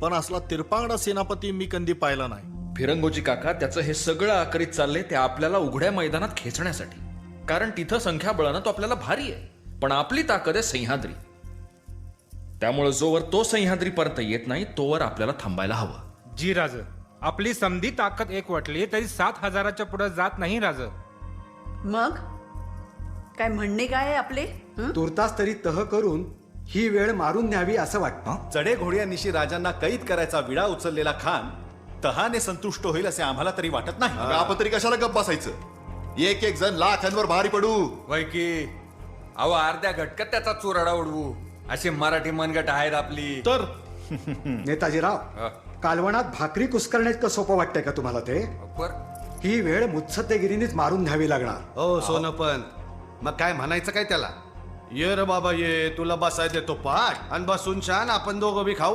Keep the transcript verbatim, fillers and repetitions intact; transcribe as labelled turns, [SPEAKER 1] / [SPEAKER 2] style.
[SPEAKER 1] पण असला तिरपांगडा सेनापती मी कधी पाहिला नाही.
[SPEAKER 2] फिरंगोजी काका, त्याचं हे सगळं आकरीत चाललंय ते आपल्याला उघड्या मैदानात खेचण्यासाठी. कारण तिथं संख्याबळानं तो आपल्याला भारी आहे, पण आपली ताकद आहे सह्याद्री. त्यामुळे जोवर तो सह्याद्रीपर्यंत येत नाही तोवर आपल्याला थांबायला हवं.
[SPEAKER 3] जी राज, आपली समधी ताकद एक वाटली तरी सात हजाराच्या पुढे जात नाही राज.
[SPEAKER 4] मग काय म्हणणे काय आहे आपले? हं?
[SPEAKER 5] तुर्तास तरी तह करून ही वेळ मारून न्यावी असं वाटतं.
[SPEAKER 6] चढे घोड्यांनिशी राजांना कैद करायचा विडा उचललेला खान तहाने संतुष्ट होईल असे आम्हाला तरी वाटत नाही.
[SPEAKER 7] मग आपण तरी कशाला गप्प बसायचं? एक एक जण लाखांवर भारी पडू.
[SPEAKER 8] वय की अहो अर्ध्या घटकात त्याचा चुराडा उडवू अशी मराठी मनगट आहेत आपली.
[SPEAKER 1] तर
[SPEAKER 5] नेताजीराव, कालवणात भाकरी कुस्करणे इतकं सोपं वाटतंय का तुम्हाला ते?
[SPEAKER 8] बर
[SPEAKER 5] ही वेळ मुत्सद्देगिरीनेच मारून न्यावी लागणार.
[SPEAKER 9] हो सोनपंत, मग काय म्हणायचं काय त्याला? ये रे बाबा ये, तुला बसाय देतो पाठ आणि बसून छान आपण दोघं बी खाऊ.